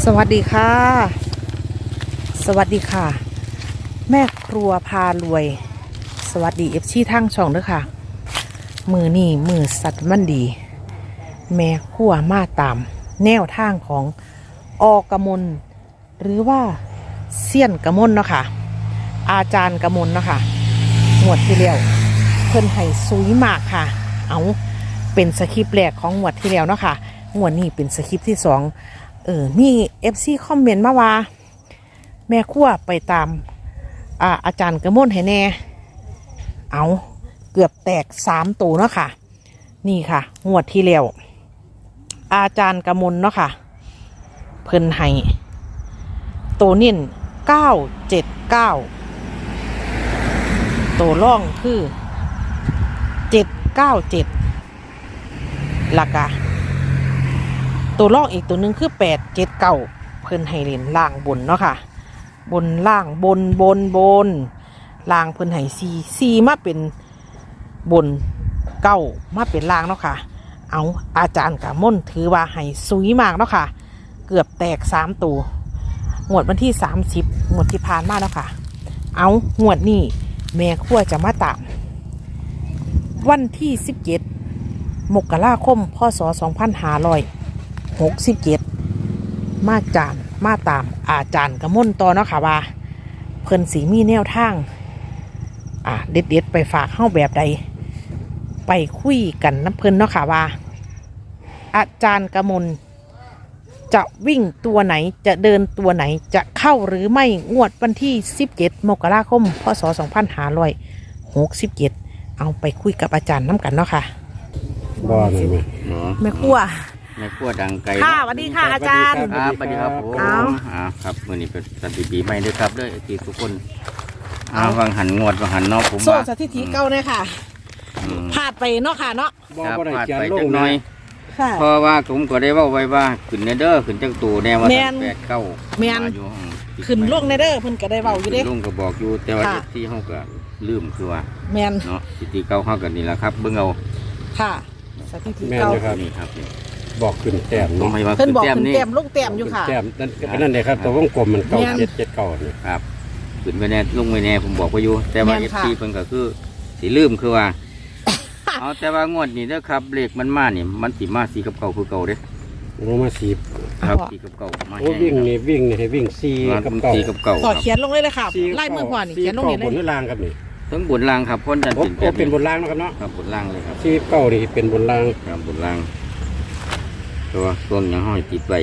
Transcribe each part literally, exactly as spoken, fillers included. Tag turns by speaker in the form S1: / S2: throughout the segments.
S1: สวัสดีค่ะสวัสดีค่ะแม่ครัวพารวยสวัสดีเอฟซีทั้งช่องด้วยค่ะมือนี่มือสัตว์มันดีแม่ครัวมาตามแนวทางของอกมลหรือว่าเซียนกมลเนาะค่ะอาจารย์กมลเนาะค่ะงวดที่แล้วเพิ่นให้ซุยมากค่ะเอาเป็นสคริปต์แรกของงวดที่แล้วเนาะค่ะงวดนี้เป็นสคริปต์ที่สองเออมีเอฟซีคอมเมนต์มาว่าแม่ครัวไปตามอ่าอาจารย์กมลให้แน่เอาเกือบแตกสามตัวเนาะค่ะนี่ค่ะงวดที่แล้วอาจารย์กมลเนาะค่ะเพิ่นให้ตัวนิ่นเก้าเจ็ดเก้าตัวร่องคือเจ็ดเก้าเจ็ดหลักอะตัวล่องอีกตัวหนึ่งคือแปดเจ็ดเก้าเพิ่นให้เล่นล่างบนเนาะค่ะบนล่างบนบนบนล่างเพิ่นให้ซีซีมาเป็นบนเก้ามาเป็นล่างเนาะค่ะเอาอาจารย์กมลถือว่าให้ซุยมากเนาะค่ะเกือบแตกสามตัวงวดวันที่สามสิบงวดที่ผ่านมาแล้วค่ะเอางวดนี้แม่ครัวจะมาตามวันที่สิบเจ็ดมกราคมพศสองพันห้าร้อยหกสิบเจ็ดมาจานมาตามอาจารย์กมลต่อเนาะค่ะว่าเพิ่นสีมีแนวทางอ่าเด็ดเด็ดไปฝากเข้าแบบใดไปคุยกันน้ำเพิ่นเนาะค่ะว่าอาจารย์กมลจะวิ่งตัวไหนจะเดินตัวไหนจะเข้าหรือไม่งวดวันที่สิบเจ็ดมกราคมพศสองพันห้าร้อยหกสิบเจ็ดเอาไปคุยกับอาจารย์น้ำกันเนาะค่ะ
S2: บ่เลยไหม
S1: แม่ครัว
S3: แม่ครัวดังไกล
S1: ค่ะสวัสดีค่ะอาจารย์
S3: ครับสวัสดีครับผม
S1: เอา
S3: อ่าครับมื้อนี้เป็นสถิติใหม่ด้วยครับด้วยที่ทุกคนอ่าวังหันงวดวังหันเนาะผมว่า
S1: โซ่สถิติเก่าเลยค่ะ
S3: อืม
S1: พลาดไปเนาะค่ะเนาะ
S2: บ่
S3: ครับ
S2: บ่ได้
S3: พลาด
S2: เขียน
S3: ไป
S2: ล
S3: จั
S2: ง
S3: กหน่อย
S1: ค่ะ
S3: เพราะว่าผมก็ได้เว้าไว้ว่าขึ้นเนเด้อขึ้นจักตูแน่ว่า
S1: แม่น
S3: แปดเก้า
S1: แม่น
S3: อยู่ห้องติด
S1: ขึ้นลงในเด้อเพิ่นก็ได้เว้าอยู่เด้
S3: ขึ้นลงก็บอกอยู่แต่ว่า
S1: ค่ะ
S3: ที่เฮาก็ลืมคือว่า
S1: แมน
S3: เนาะสถิติเก่าเฮาก็นี่แหละครับเบิ่งเอา
S1: ค่ะสถิติ
S2: แม่น
S1: เก่า
S2: อยู่ครับ
S3: นี่ครับนี่
S2: บอกขึ้นแต้ม
S3: ต้อง
S2: เนาะ
S3: ให้ว่า
S1: เพิ่นบอก
S3: แต้ม
S1: ขึ้น
S3: นี่
S1: แต้มลงแต้มอยู่ค่ะ
S2: แต้มนั่นก็นั่นเลยครับตัววงกลมมันเก้า
S1: แม่น
S2: เจ็ดเจ็ดเก้านี่
S3: ครับขึ้นไปแน่ลงไปแน่ผมบอกไว้อยู่แต่ว่า
S1: แม่
S3: เอน ฟ
S1: ค่ะ
S3: ซีเพิ่นก็คือสิลืมคือว่า เอาแต่ว่างวดนี้เด้อครับเลขมันมานี่มันสิมาสีกับเก่าคือเก่าเด้
S2: ลงมาสี
S3: ครับสีกับเก่ามา
S2: โอ้
S3: แห้
S2: วิ่งนี่วิ่งนี่ให้วิ่งสี่
S3: มา
S2: กับ
S3: เป็น
S2: เก้า
S3: สีกับเก่า
S1: ขอ
S3: ครับ
S1: เขียนลงเลยเลยค่ะ
S2: สี่
S1: ไล่มือขวานี่
S2: สี่
S1: เขียนลงนี่เล
S2: บน
S1: ย
S2: หรือล่างครับนี่
S3: ทั้งบนล่างครับพ้นดัน
S2: โอ้
S3: เป็น
S2: โอ้เป็นบนล่างนะครับเนาะ
S3: ครับบนล่างเลยครับ
S2: สี่เก้านี่เป็นบนล่าง
S3: ครับบนล่างตัวต้นยังห้อยติดไว้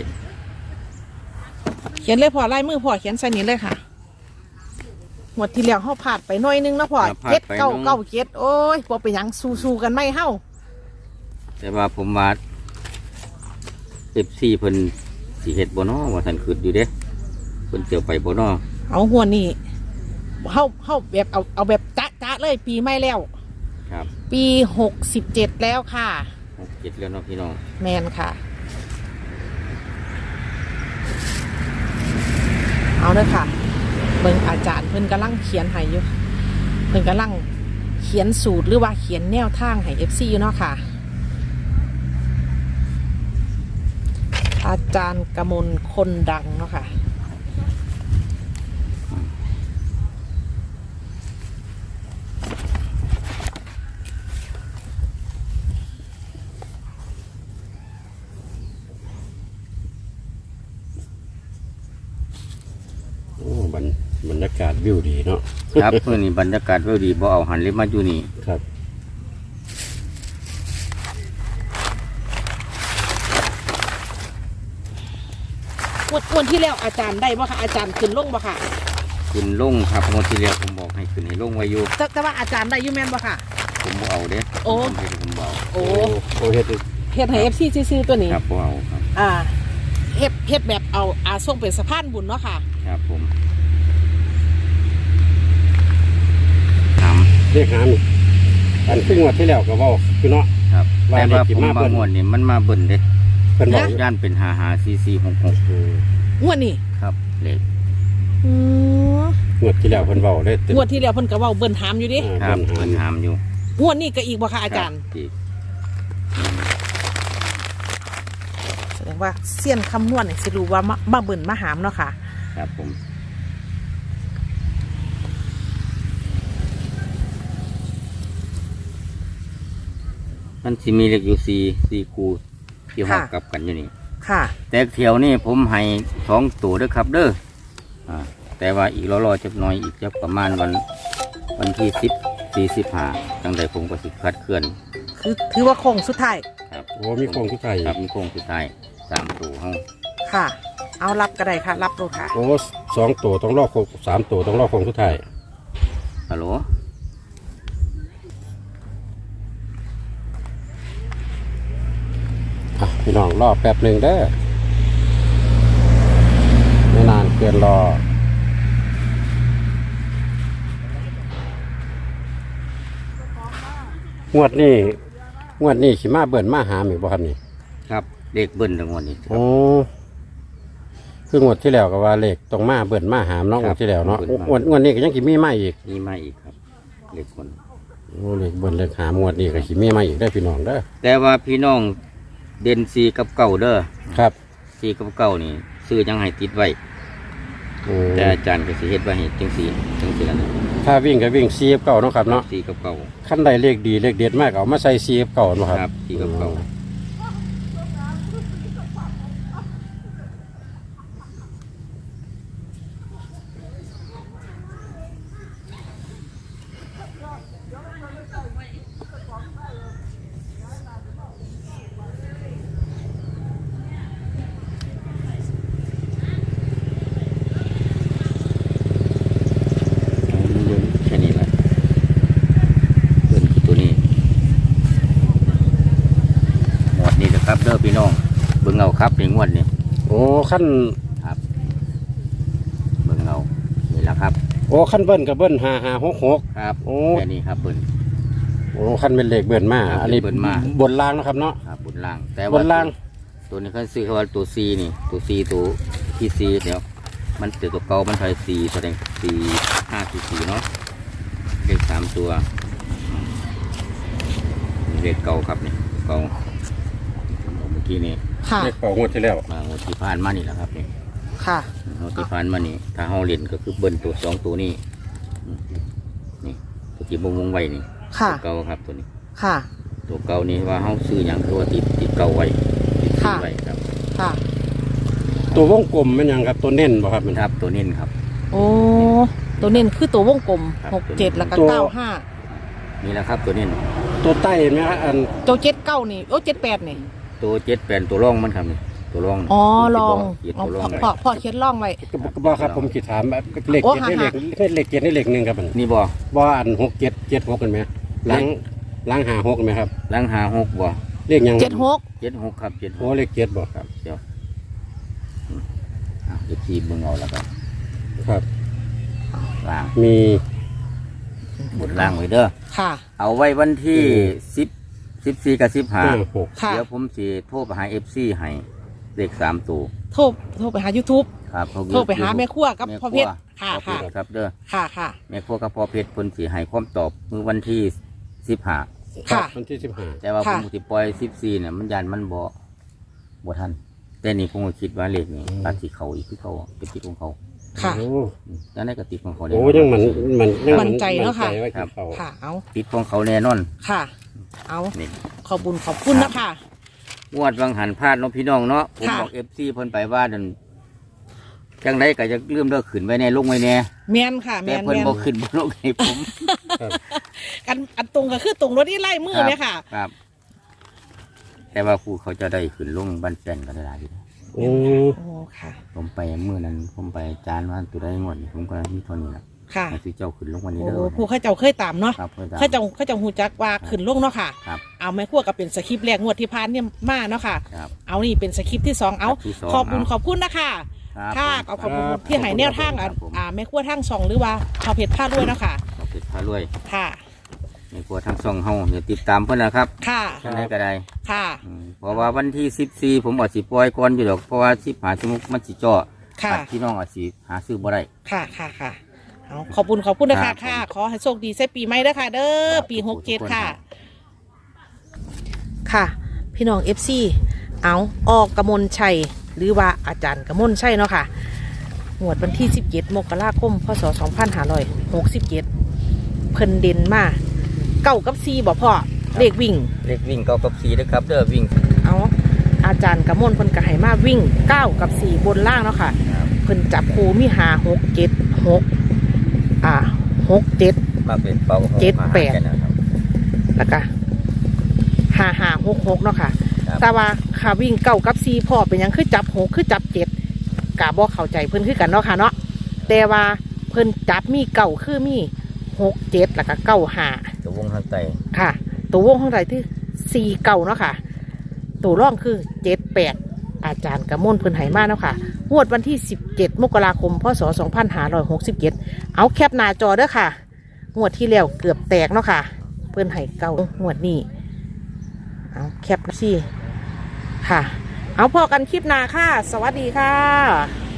S1: เขียนเลยพอไล่มือพอเขียนใส่นี้เลยค่ะหมดที่แล้วเฮาพลาดไปหน่อยนึงนะพอเจ็ดเก้าเก้าเจ็ดโอ้ยบ่เป็นหยังสู้ๆกันไม่เฮา
S3: แต่ว่าผมว่าเอฟซีเพิ่นสีเห็ดบ่เนอว่าท่านขึ้นอยู่เด้เพิ่นเจียวไปบ่เนอ
S1: เอาหัวนี่เฮาเฮาแบบเอาเอาแบบจ๊ะๆเลยปีใหม่แล้ว
S3: ครับ
S1: ปีหกสิบเจ็ดแล้วค่ะ
S3: หกเจ็ดแล้วเนาะพี่น้อง
S1: แมนค่ะ เอาเลยค่ะเบิ่งอาจารย์เพิ่นกำลังเขียนให้อยู่เพิ่นกำลังเขียนสูตรหรือว่าเขียนแนวทางให้ เอฟ ซี อยู่เนาะค่ะ อาจารย์กมลคนดังเนาะค่ะ
S2: โอ้บรรบรรยากาศวิวดีเนาะ
S3: ครับเพื่อนนี่บรรยากาศเวดีบ่เอาหันเลยมาอยู่นี่
S2: ครับ
S1: วันวันที่แล้วอาจารย์ได้บ่ค่ะอาจารย์ขึ้นลงบ่ค่ะ
S3: ขึ้นลงครับงวดที่แล้วผมบอกให้ขึ้นให้ลงไว้อยู่
S1: แต่แต่ว่าอาจารย์ได้อยู่แม่นบ่ค่ะ
S3: ผมบ่เอาเด้
S1: โอ้
S3: ผมเฮ็ดผมบ่เอา
S1: โอ้
S2: โอ้เฮ็ดดิ
S1: เฮ็ดให้ เอฟ ซี ซื่อๆตัวนี้
S3: ครับบ่เอาครับ
S1: อ่าเฮ็ดเฮ็ดแบบเอาอาส่งเป็นสะพานบุญเนาะค่ะ
S3: ครับผมท
S2: เรียกหามนี่อันซึ่งงวันที่แล้วก็เว้าคือเนาะ
S3: ำครับ
S2: ว่า
S3: แต่
S2: เลข
S3: ว่า
S2: ที่
S3: ผม
S2: มา
S3: บา
S2: เบิ่
S3: ง
S2: น
S3: งวดนี่มันมาเบิ่นเด้
S2: เพิ่นบอก
S3: ย่านเป็นหาหาซีซีหกหก
S2: อืม
S1: งวดนี้
S3: ครับเลข
S1: อืม
S2: งวดที่แล้วเพิ่นเว้าได้
S1: งวดที่แล้วเพิ่นก็เว้าเบิ่นถามอยู่ดิ
S2: อ่า
S3: ครับ
S2: เพิ่
S3: เพิ่
S2: น
S3: น
S2: หาม
S3: หามอยู่
S1: งวดนี้ก็อีกบ่ค่ะอาจารย์
S3: คบอีก
S1: แสดดงว่าเสี้ยนคำนวณเนี่ยสิรู้ว่ามามาเบิ่นมาหามเนาะค่ะ
S3: ครับผมมันสิมีเลขอยู่สี่สี่คูที่ห้องกลับกันอยู่นี่
S1: ค่ะ
S3: แต่เที่ยวนี่ผมให้สองตัวเด้อครับเด้ออ่าแต่ว่าอีกรอๆจักหน่อยอีกจะประมาณวันวันที่สิบสี่สิบห้าจังใดผมก็สิคัดเคลื่อน
S1: คือถือว่าโค้งสุดท้าย
S3: ครับ
S2: โอ้มีโครงทุกไทย
S3: ครับมีโค้งสุดท้ายสามตัวห้อง
S1: ค่ะ เอารับก็ได้ค่ะ รับดูค่ะ
S2: โอ้สองตัวต้องรอโครงสามตัวต้องรอโครงทุกไทย
S3: ฮัลโหล
S2: อ่ะพี่น้องรอแป๊บหนึ่งเด้อไม่นานเกินรองวดนี้งวดนี้สิมาเบิ่นมาหาอีกบ่ครับนี่
S3: ครับเลขเบิ้ลทั้งหมดนี่ครั
S2: โอ้
S3: บ
S2: คืองวดที่แล้วก็ว่าเลขต้องมาเบิ่นมาหามเนาะ
S3: ค
S2: ง
S3: รั
S2: ว
S3: บ
S2: ดที่แล้วเนาะ
S3: เบิ่นมา
S2: งวดงวดนี้ก็ยังสิมีมาอีก
S3: นี่มาอีกครับเลขคน
S2: โอ้เลขเบิ่นเลขหามงวดนี้ก็สิมีมาอีกได้อพี่น้องเด้อ
S3: แต่ว่าพี่น้องเด่นสีกับเก่าเด้อ
S2: ครับ
S3: สีกับเก่านี่ซื้อยังให้ติดไว้
S2: อืม
S3: แต่อาจารย์ก็สิเฮ็ดไว้ให้จังสีจังสีแล้วนะ
S2: ถ้าวิ่งก็วิ่งซีเก่าเนาะครับเนาะ
S3: สีกับเก่า
S2: ขั้นใดเลขดีเลขเด็ดมากเอามาใส่ซีเก่าเนาะครับ
S3: ครับสีกับเก่า แค่นี้แหละเบิ้ลคือตัวนี้หมวดนี้นะครับเด้อพี่น้องเบิ่งเอาครับในงวดนี้
S2: โอ้ขั้น
S3: ครับเบิ่งเอานี่แหละครับ
S2: โอ้ขั้นเบิ้ลกับเบิ้ลห้าห้าหกหก
S3: ครับ
S2: โอ้
S3: แค่นี้ครับเบิ้ล
S2: โอ้ขั้นเป็นเลขเบิ้ลมา
S3: ครับ
S2: อันนี้
S3: เบิ้ลมา
S2: บนล่างเนาะครับเนาะ
S3: ครับบนล่าง แต่
S2: บ
S3: ว่าน
S2: ล่าง
S3: ตัวนี้เขาซื้อเขาว่าตัว C นี่ตัว C ตัวที่ C เดี๋ยวมันเจอตัวเก่ามันใช้ C แสดง C ห้าสี่สี่เนาะเลขสามตัวเลขเก่าครับนี่เก่าเมื่อกี้นี่
S1: ค่ะ
S2: เลขเก่างวดที่แล้ว
S3: มางวดที่ผ่านมานี่แหละครับนี่
S1: ค่ะ
S3: งวดที่ผ่านมานี่ถ้าเฮาเล่นก็คือเบิ้ลตัวสองตัวนี้นี่ตัวที่วงวงไว้นี่
S1: ค่ะ
S3: ตัวเก่าครับตัวนี้
S1: ค่ะ
S3: ตัวเก่านี่ว่าเฮาซื้ออย่างคือว่าติดติดเก่าไว้ติด
S1: ค่ะ
S3: ไว้ครับ
S1: ค่ะ
S2: ตัววงกลมมันหยังครับตัวเน้นบ่ครับมัน
S3: ครับตัวนี้ครับ
S1: โอ้ ตัวเน้นคือตัววงกลม
S3: ครับ
S1: หกเจ็ดแล้วก็
S2: ตัว
S1: เก้าห้า
S3: นี่แหละครับตัวนี้
S2: ตัวใต้เห็นไหมครับอัน
S1: ตัวเจ็ดเก้านี่โอ้เจ็ดแปดนี่
S3: ตัวเจ็ดแปดตัวร่องมันครับนี่ตัวร่อง
S1: อ๋อลอง
S3: เจ็ด
S1: อ๋อ
S3: ตัวร่อง
S1: พ่อพ่อเขียนล่องไว้
S2: ก็ก็บ่ครับผมคิดถามแบบเลข
S1: โอ้
S2: เจ็ดได้
S1: หา
S2: เลขเลขเจ็ดได้เลขหนึ่งครับมัน
S3: นี่บ่
S2: บ่อันหกเจ็ดเจ็ดหกกันไหมล้างล้างหาหกกันไหมครับ
S3: ล้างหาหกบ่
S2: เลขหยัง
S1: เจ็ดหก
S3: เจ็ดหกครับเจ็ดห
S2: โอ้
S3: ก
S2: เลขเจ็ดบ่
S3: ครับเดี๋ยวอืมอ่ะเดี๋ยวทีเบิ่งเอาแล้วกัน
S2: ครับ
S3: ล่าง
S2: มี
S3: บนล่างไว้เด้อ
S1: ค่ะ
S3: เอาไว้วันที่สิบสิบสี่กับสิบห้า
S2: ห้าหก
S1: ค่ะ
S3: เดี๋ยวผมสิโทรไปหาเอฟซีให้เลขสามตัว
S1: โทรโทรไปหา YouTube
S3: ครับ
S1: โทรไปหาแม่ครัวกับ
S3: แม่
S1: พ่อเพชร
S3: ครั
S1: ค่ะ
S3: ว
S1: ค่ะ
S3: พ่อเพชรครับเด้อ
S1: ค่ะค่ะ
S3: แม่ครัวกับพ่อเพชรเพิ่นสิให้ความตอบมือวันที่สิบห้า
S1: ค่ะ
S2: วันที่สิบห้า
S3: แต่ว่าผ
S1: ค่ะ
S3: มสิปล่อยสิบสี่เนี่ยมันยันมันบ่บ่ทันแต่นี่ผมก็คิดว่าเลขนี่อาจสิเขาอีกคือเขาเป็นติดของเขา
S1: ค่ะ
S2: โอ้
S3: อืมจังได้ก็ติดของเขาแน่
S2: โอ้
S3: นอน
S2: ยังมันมันยัง
S1: มั่นใจเนอะค่ะ
S2: มั่ใจว่า
S3: ครับ
S2: เขา
S1: ค่ะ เอา
S3: ติดของเขาแน่นอน
S1: ค่ะ เอา
S3: นี่
S1: ขอบบุญขอบคุณนะคะ
S3: งวดวังหันพลาดเน้องพี่น้องเนาะผม
S1: ค่ะ
S3: บอกเอฟซีเพิ่นไปว่านั่นจังไดก็จะเริ่มเลิกขึ้นไว้แน่ลงไว้แน่
S1: แมนค่ะ แม
S3: แต่
S1: น
S3: เพิ่น
S1: แมน
S3: บ่ขึ้นบ่ลงให้ผม
S1: อันอันตรงก็คือตรงรถที่ไล่มือเนี่ยค่ะ
S3: ครับ แต่ว่าครูเขาจะได้ขึ้นลงบ้านแฟนก็ได้หลายอยู่
S2: โอ้
S1: โอ้ ค่ะ
S3: ผมไปมื้อนั้นผมไปจานว่าตัวได้งวดนี่ผมก็มีเท่านี้ล่ะ
S1: ค่ะ
S3: ให้ซื้อเจ้าขึ้นลงวันนี้
S1: โอ้
S3: เด้อ
S1: ผู้เข้าเจ้าเคยตามเนาะ
S3: ครับเพิ่น
S1: เข้าเจ้าเข้าเจ้าหูจักว่าขึ้นลงเนาะค่ะ
S3: ครับ
S1: เอาแม่ครัวก็เป็นสคริปต์แรกงวดที่ผ่านเนี่ยมาเนาะค่ะ
S3: ครับ
S1: เอานี่เป็นสคริปต์ที่สองเอา
S3: ที่สอง
S1: ขอบคุณ
S3: เอา
S1: ขอบคุณนะคะ
S3: ครับ
S1: ค่ะ
S3: ผม
S1: ขอบคุณ
S2: ครับ
S1: ที่ให้แนวทางอ่ะ
S3: ครับผม
S1: อ่าแม่ครัวทางสองหรือว่าพอเพชรผ้าด้วยเนาะค่ะ
S3: ขอบคุณพารวย
S1: ค่ะ
S3: ในครัวทั้งสองเฮาอย่าติดตามเพิ่นนะครับ
S1: ค่ะ
S3: จังไดก็ได้
S1: ค่ะ
S3: อืมเพราะว่าวันที่สิบสี่ผมอาจสิปล่อยก่อนอยู่ดอกเพราะว่าสิบหาสมุกมันสิจ่อ
S1: ค่ะ
S3: อาจพี่น้องอาจสิหาซื้อบ่ได้
S1: ค่ะค่ะค่ะเอาขอบคุณขอบคุณนะ
S3: ครั
S1: คะ
S3: บ
S1: ค่ะ ขอให้โชคดีใส่ปีใหม่เด้อค่ะ เด้อปีหกเจ็ดค่ะ ค่ะ พี่น้องเอฟซีเอาออกกมลชัยหรือว่าอาจารย์กมลชัยเนาะค่ะงวดวันที่สิบเจ็ดมกราคมพศสองพันห้าร้อยหกสิบเจ็ดเพิ่นเด่นมาเก้ากับสี่บ่พ่อเลขวิ่ง
S3: เลขวิ่งเก้ากับสี่นะครับเด้อวิ่ง
S1: เอาอาจารย์กมลเพิ่นก็ให้มาวิ่งเก้ากับสี่บนล่างเนาะค่ะเพิ่นจับคูมีหาหกเจ็ดหกอ่าหกเจ็ด
S3: มาเป็นเป้า
S1: เจ็ดแปด
S3: นะครับ
S1: แล้วก็ห้าห้าหกหกเนาะค่ะ
S3: ครับ
S1: แต่ว่าขาวิ่งเก้ากับสี่พ่อเป็นหยังคือจับหกคือจับเจ็ดกะบ่เข้าใจเพิ่นคือกันเนาะค่ะเนาะแต่ว่าเพิ่นจับมีเก้าคือมีหกเจ็ดแล้วก็เก้าห้า
S3: ตัววงทางไต
S1: ค่ะ ตัววงข้างใดที่สี่เก้าเนาะค่ะ ตัวร่องคือเจ็ดแปดอาจารย์กระมวลเพิ่นไหมาเนาะค่ะงวดวันที่สิบเจ็ดมกราคมพศสองพันห้าร้อยหกสิบเจ็ดเอาแคปหน้าจอเด้อค่ะงวดที่แล้วเกือบแตกเนาะค่ะ เพิ่นให้เก้างวดนี้เอาแคปสิค่ะ เอาพอกันคลิปหน้าค่ะ สวัสดีค่ะ